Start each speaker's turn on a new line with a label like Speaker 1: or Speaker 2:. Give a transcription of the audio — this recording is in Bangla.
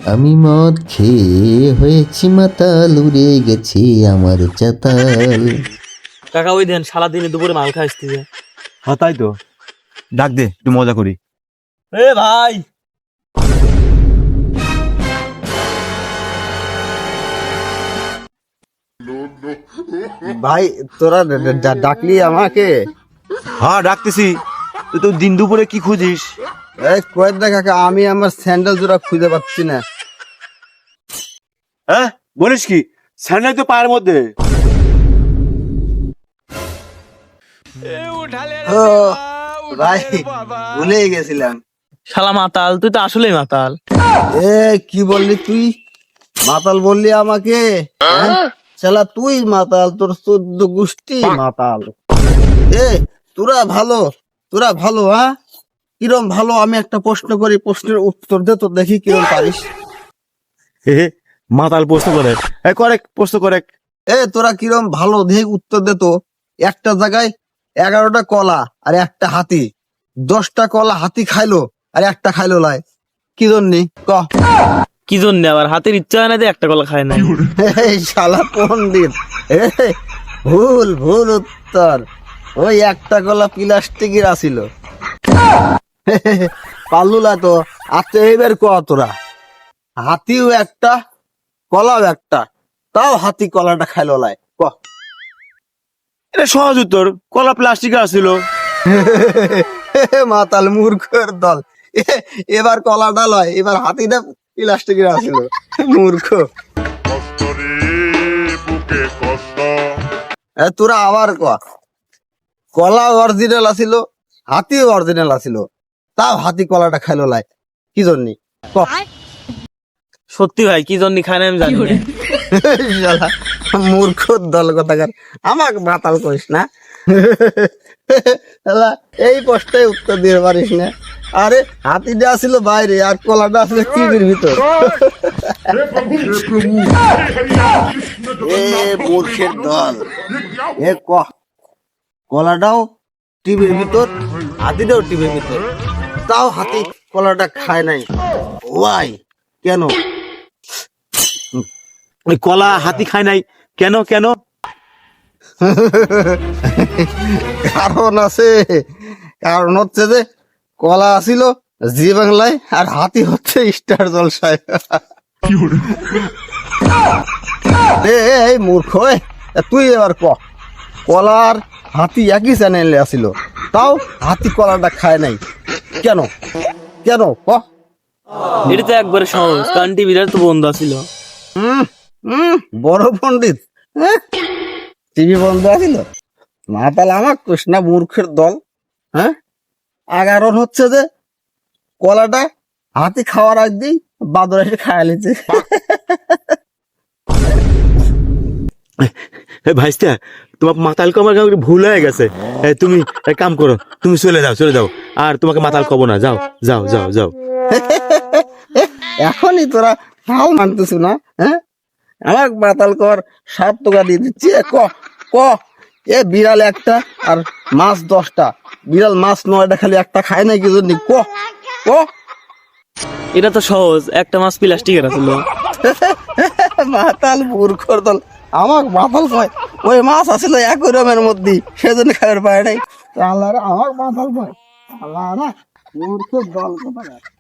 Speaker 1: আমি মদ খেয়ে হয়েছি মাতাল, উড়ে গেছে আমার চাতাল।
Speaker 2: কাকা ওই দেন সারা দিনে দুপুরে মাল খাইছি।
Speaker 3: হ্যাঁ তাই তো, ডাক দে একটু মজা করি।
Speaker 2: এ ভাই
Speaker 4: ভাই তোরা ডাকলি আমাকে?
Speaker 3: হ্যাঁ ডাকতেছি। তুই তো দিন দুপুরে কি খুঁজিস?
Speaker 4: এই কয়েক না কাকা, আমি আমার স্যান্ডেল জোড়া খুঁজে পাচ্ছি না।
Speaker 3: হ্যাঁ বলিস কি? স্যান্ডেল তো পায়ের মধ্যে।
Speaker 4: ও ভাই, ভুলে গেছিলাম।
Speaker 2: শালা মাতাল, তুই তো আসলেই মাতাল।
Speaker 4: এ কি বললি তুই? মাতাল বললি আমাকে? শালা তুই মাতাল, তোর 14 গোষ্ঠী মাতাল। এ তোরা ভালো হ্যাঁ? কিরম ভালো? আমি একটা প্রশ্ন করি, প্রশ্নের উত্তর দে তো দেখি কিরম পারিস।
Speaker 3: হে মাতাল প্রশ্ন করে। করেক্ট প্রশ্ন করেক্ট।
Speaker 4: তোরা কিরম ভালো দেখি উত্তর দে তো। একটা জায়গায় 11টা কলা আর একটা হাতি, 10টা কলা হাতি খাইলো আর একটা খাইলো লাই, কি জন্যে ক?
Speaker 2: কি জন্য আবার হাতের ইচ্ছা হয় না যে একটা কলা খায় না?
Speaker 4: এই শালা পণ্ডিত, ভুল উত্তর। ওই একটা কলা প্লাস্টিকের আসিল। পাল্লুলা তো। আচ্ছা এইবার ক তোরা, হাতিও একটা কলাও একটা, তাও হাতি কলাটা খাইলো লাই, ক?
Speaker 3: এটা সহজ উত্তর, কলা প্লাস্টিকে আসছিল।
Speaker 4: মাতাল মূর্খের দল। এবার কলাটা লয়, এবার হাতিটা প্লাস্টিকের আসিল, মূর্খ। তোরা আবার ক, কলা অরিজিনাল আসিল, হাতিও অরিজিনাল আসিল, তাও হাতি কলাটা খাইলো লাই, কি জন্যে ক?
Speaker 2: সত্যি ভাই কি জন্য খায় না আমি জানি না।
Speaker 4: শালা মূর্খ দল কথাকার, আমাকে মাতাল করিস না। শালা এই প্রশ্নের উত্তর দিতে পারিস না। আরে হাতিটা আসিল বাইরে আর কলাটা আসলে টিভির ভিতর। এ মূর্খের দল, এ ক, কলাটাও টিভির ভিতর, হাতিটাও টিভির ভিতর, তাও হাতি কলাটা খায় নাই, ওয়াই? কেন?
Speaker 3: ওই কলা হাতি খায় নাই কেন? কেন?
Speaker 4: কারণ আছে। কারণ হচ্ছে যে কলা আসিল জি বাংলায় আর হাতি হচ্ছে স্টার জলসায়। এই মূর্খ, তুই এবার ক, কলার হাতি একই চ্যানেলে আসিল, তাও হাতি কলাটা খায় নাই, কেন? কেন ক?
Speaker 2: এটা তো একবারে সহজ, কারণ টিভিটা তো বন্ধ ছিল।
Speaker 4: বড় পণ্ডিত, টিভি বন্ধ আছিল? মাতাল আমার কৃষ্ণা মূর্খের দল, হ্যাঁ? 11 হচ্ছে যে কলাটা হাতি খাওয়ার আগ দিয়ে বাদর এসে খাইয়া লিছে।
Speaker 3: ভাইস্তা, তোমার মাতাল কমার ভুল হয়ে গেছে। তুমি এক কাম করো, তুমি চলে যাও আর তোমাকে মাতাল কব না। যাও যাও যাও যাও।
Speaker 4: এখনই তোরা হাল মানতেছ না? হ্যাঁ, আমার মাতাল কর 7 টাকা দিয়ে দিচ্ছি। ক ক, এ বিড়াল একটা আর মাছ 10টা, বিড়াল মাছ 9টা, খালি একটা খায় নাই কি জন্য ক? ক?
Speaker 2: এটা তো সহজ, একটা মাছ প্লাস্টিকের ছিল।
Speaker 4: মাতাল মূর্খর দল, আমার মাতাল কয় ওই মাছ আসলে অ্যাকুয়ারিয়ামের মধ্যে, সেজন্য খাবার পায় নাই। আল্লাহ, আমার মাতাল কয় আল্লাহ না, মূর্খর দল কোথাকার।